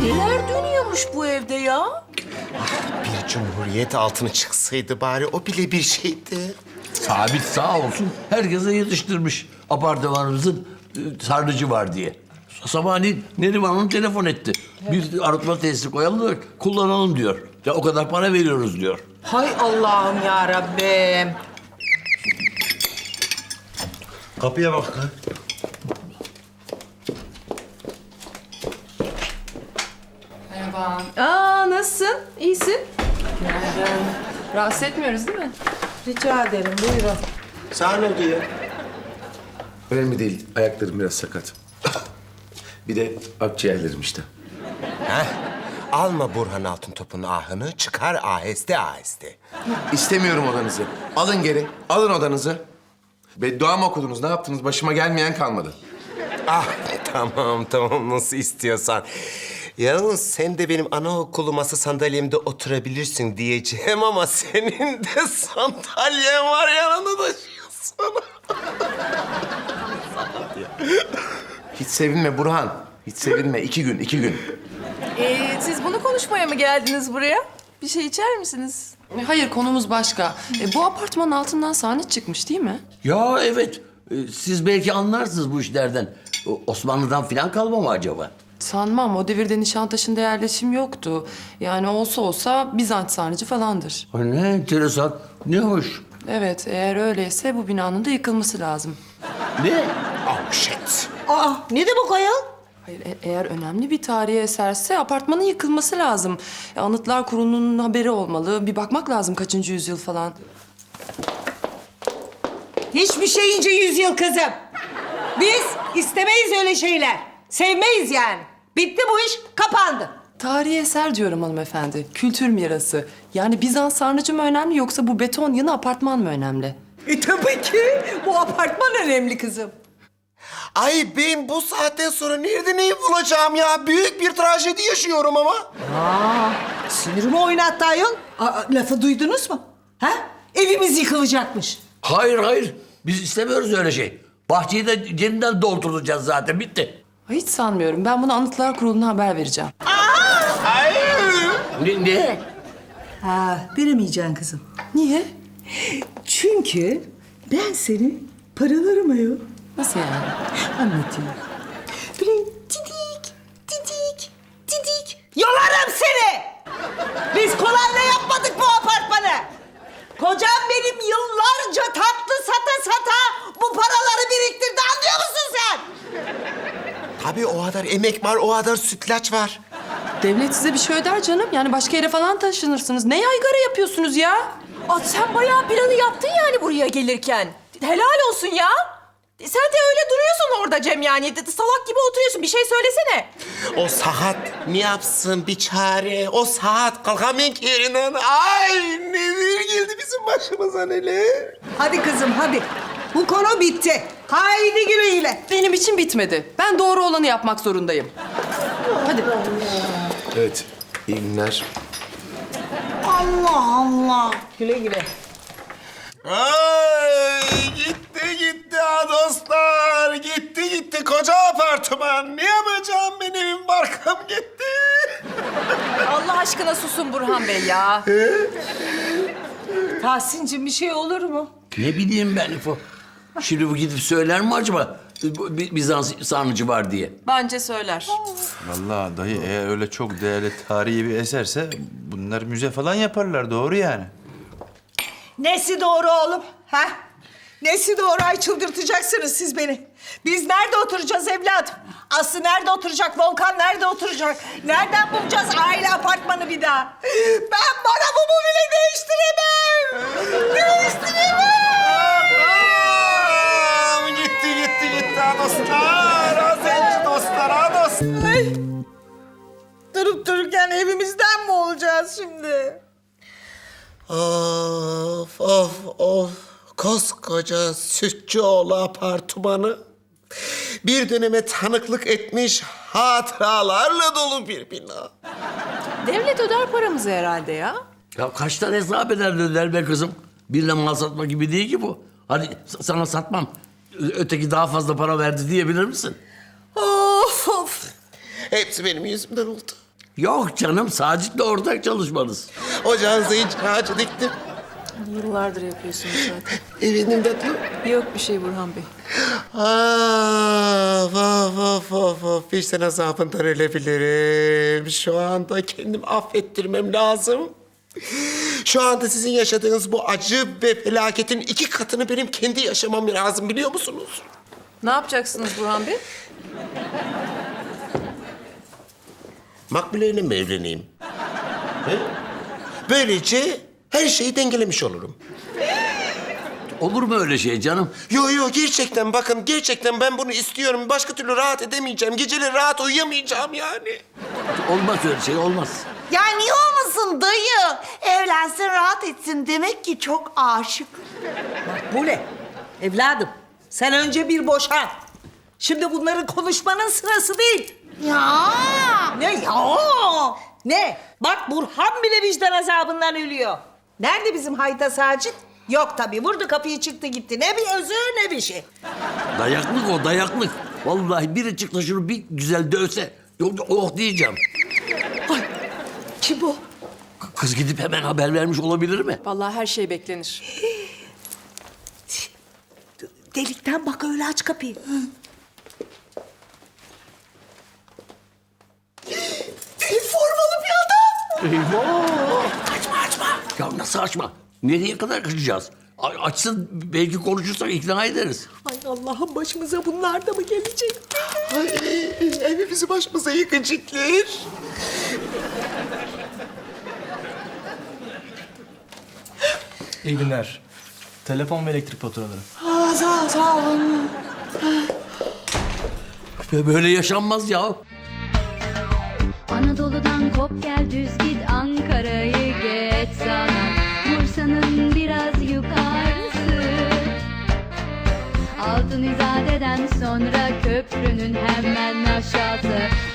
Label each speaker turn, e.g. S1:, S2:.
S1: Neler dönüyormuş bu evde ya?
S2: Bir cumhuriyet altını çıksaydı bari o bile bir şeydi.
S3: Sabit sağ olsun herkese yetiştirmiş apartmanımızın sarnıcı var diye. Sabahleyin Neriman Hanım telefon etti. Bir arıtma tesisi koyalım da kullanalım diyor. Ya o kadar para veriyoruz diyor.
S1: Hay Allah'ım ya Rabbim.
S2: Kapıya bak lan.
S4: Merhaba.
S5: Aa, nasılsın? İyisin?
S4: Günaydın. Rahatsız etmiyoruz değil mi?
S1: Rica ederim, buyurun.
S2: Sana ne oldu ya?
S6: Önemli değil. Ayaklarım biraz sakat. Bir de akciğerlerim işte.
S2: Heh. Alma Burhan Altıntop'un ahını, çıkar aheste aheste.
S6: İstemiyorum odanızı. Alın geri. Alın odanızı. Beddua mı okudunuz? Ne yaptınız? Başıma gelmeyen kalmadı.
S2: Ah tamam nasıl istiyorsan. Yalnız sen de benim anaokulu masa sandalyemde oturabilirsin diyeceğim ama senin de sandalyen var yanında taşıyorsun.
S6: Hiç sevinme Burhan. Hiç sevinme. 2 gün, 2 gün.
S5: Siz bunu konuşmaya mı geldiniz buraya? Bir şey içer misiniz?
S4: Hayır, konumuz başka. Bu apartmanın altından sahne çıkmış değil mi?
S3: Ya evet. Siz belki anlarsınız bu işlerden. Osmanlı'dan falan kalma mı acaba?
S4: Sanmam. O devirde Nişantaşı'nda yerleşim yoktu. Yani olsa Bizans sarnıcı falandır.
S3: Ay, ne enteresan. Ne hoş.
S4: Evet, eğer öyleyse bu binanın da yıkılması lazım.
S3: Ne?
S2: Oh shit.
S1: Aa, ne demek ayol?
S4: Hayır, eğer önemli bir tarihi eserse apartmanın yıkılması lazım. Anıtlar Kurulu'nun haberi olmalı. Bir bakmak lazım kaçıncı yüzyıl falan.
S1: Hiçbir şeyince 100 yıl kızım. Biz istemeyiz öyle şeyler. Sevmeyiz yani. Bitti bu iş, kapandı.
S4: Tarihi eser diyorum hanımefendi. Kültür mirası. Yani Bizans sarnıcı mı önemli yoksa bu beton yığını apartman mı önemli?
S1: Tabii ki. Bu apartman önemli kızım.
S2: Ay ben bu saatten sonra nerede neyi bulacağım ya? Büyük bir trajedi yaşıyorum ama.
S1: Sinirimi oynattı ayol. Lafı duydunuz mu? Ha? Evimiz yıkılacakmış.
S3: Hayır. Biz istemiyoruz öyle şey. Bahçeyi de yeniden dolduracağız zaten. Bitti.
S4: Hiç sanmıyorum. Ben bunu Anıtlar Kurulu'na haber vereceğim.
S3: Ne?
S1: Ha, veremeyeceksin kızım.
S4: Niye?
S1: Çünkü ben seni paralarım ayol.
S4: Nasıl yani?
S1: Anlatayım. Böyle didik. Yolarım seni! Biz kolayla yapmadık bu apartmanı. Kocam benim yıllarca tatlı sata bu paraları biriktirdi, anlıyor musun sen?
S2: Tabii o kadar emek var, o kadar sütlaç var.
S4: Devlet size bir şey öder canım. Yani başka yere falan taşınırsınız. Ne yaygara yapıyorsunuz ya?
S5: Aa, sen bayağı planı yaptın yani buraya gelirken. Helal olsun ya. Sen de öyle duruyorsun orada Cem yani. Salak gibi oturuyorsun. Bir şey söylesene.
S2: O saat ne yapsın bir çare? O saat kalkamıyor ki yerinden. Ay neler geldi bizim başımıza neler.
S1: Hadi kızım hadi. Bu konu bitti. Haydi güle.
S4: Benim için bitmedi. Ben doğru olanı yapmak zorundayım. Hadi.
S6: Evet. İyi günler.
S1: Allah. Güle.
S2: Ay gitti ha dostlar. Gitti koca apartman. Ne yapacağım benim barkım gitti.
S5: Allah aşkına susun Burhan Bey ya.
S1: Tahsin'cim bir şey olur mu?
S3: Ne bileyim ben İfo. Şimdi bu gidip söyler mi acaba? Bizans sarnıcı var diye.
S5: Bence söyler.
S7: Vallahi dayı eğer öyle çok değerli tarihi bir eserse bunlar müze falan yaparlar doğru yani.
S1: Nesi doğru oğlum? Ha? Nesi doğru? Ay çıldırtacaksınız siz beni. Biz nerede oturacağız evladım? Aslı nerede oturacak? Volkan nerede oturacak? Nereden bulacağız aile apartmanı bir daha? Ben paramı bile değiştiremem.
S2: Anam, gitti ha dostlar. Ha zenci dostlar ha dostlar.
S1: Ay. Durup dururken evimizden mi olacağız şimdi?
S2: Of. Koskoca Sütçüoğlu apartmanı bir döneme tanıklık etmiş hatıralarla dolu bir bina.
S5: Devlet öder paramızı herhalde ya.
S3: Ya kaç tane hesap eder dediler be kızım. Birle mal satma gibi değil ki bu. Hadi sana satmam. Öteki daha fazla para verdi diyebilir misin?
S1: Of.
S2: Hepsi benim yüzümden oldu.
S3: Yok canım, Sacit'le ortak çalışmanız.
S2: Ocağınıza hiç ağacı diktim.
S4: Yıllardır yapıyorsunuz zaten.
S2: Efendim tatlım.
S4: Yok bir şey Burhan Bey.
S2: Of. Vicdan azabından ölebilirim. Şu anda kendimi affettirmem lazım. Şu anda sizin yaşadığınız bu acı ve felaketin 2 katını benim kendi yaşamam lazım, biliyor musunuz?
S4: Ne yapacaksınız Burhan Bey?
S2: Makbuleyle mi evleneyim? He? Böylece her şeyi dengelemiş olurum.
S3: Olur mu öyle şey canım?
S2: Yo gerçekten bakın, gerçekten ben bunu istiyorum. Başka türlü rahat edemeyeceğim. Geceleri rahat uyuyamayacağım yani.
S3: Olmaz öyle şey, olmaz.
S1: Ya niye olmasın dayı? Evlensin, rahat etsin. Demek ki çok aşık. Makbule, evladım. Sen önce bir boşan. Şimdi bunların konuşmanın sırası değil. Ya. Ne ya? Ne? Bak Burhan bile vicdan azabından ölüyor. Nerede bizim hayta Sacit? Yok tabii. Vurdu kapıyı, çıktı gitti. Ne bir özür ne bir şey.
S3: Dayaklık o, dayaklık. Vallahi biri çıktı şunu bir güzel dövse. Yok, oh diyeceğim.
S1: Kim bu?
S3: Kız gidip hemen haber vermiş olabilir mi?
S4: Vallahi her şey beklenir.
S1: Delikten bak, öyle aç kapıyı. Deli formalı bir adam.
S3: Eyvah! Açma. Ya nasıl açma? Nereye kadar kaçacağız? Açsın, belki konuşursak ikna ederiz.
S1: Ay Allah'ım, başımıza bunlar da mı gelecek?
S2: Ay, evimizi başımıza yıkacaklar.
S8: İyi günler. Telefon ve elektrik faturaları.
S1: Sağ olun.
S3: Böyle yaşanmaz ya.
S9: Anadolu'dan kop gel düz git Ankara'yı geç sana Bursa'nın biraz yukarısı Altın İzade'den sonra köprünün hemen aşağısı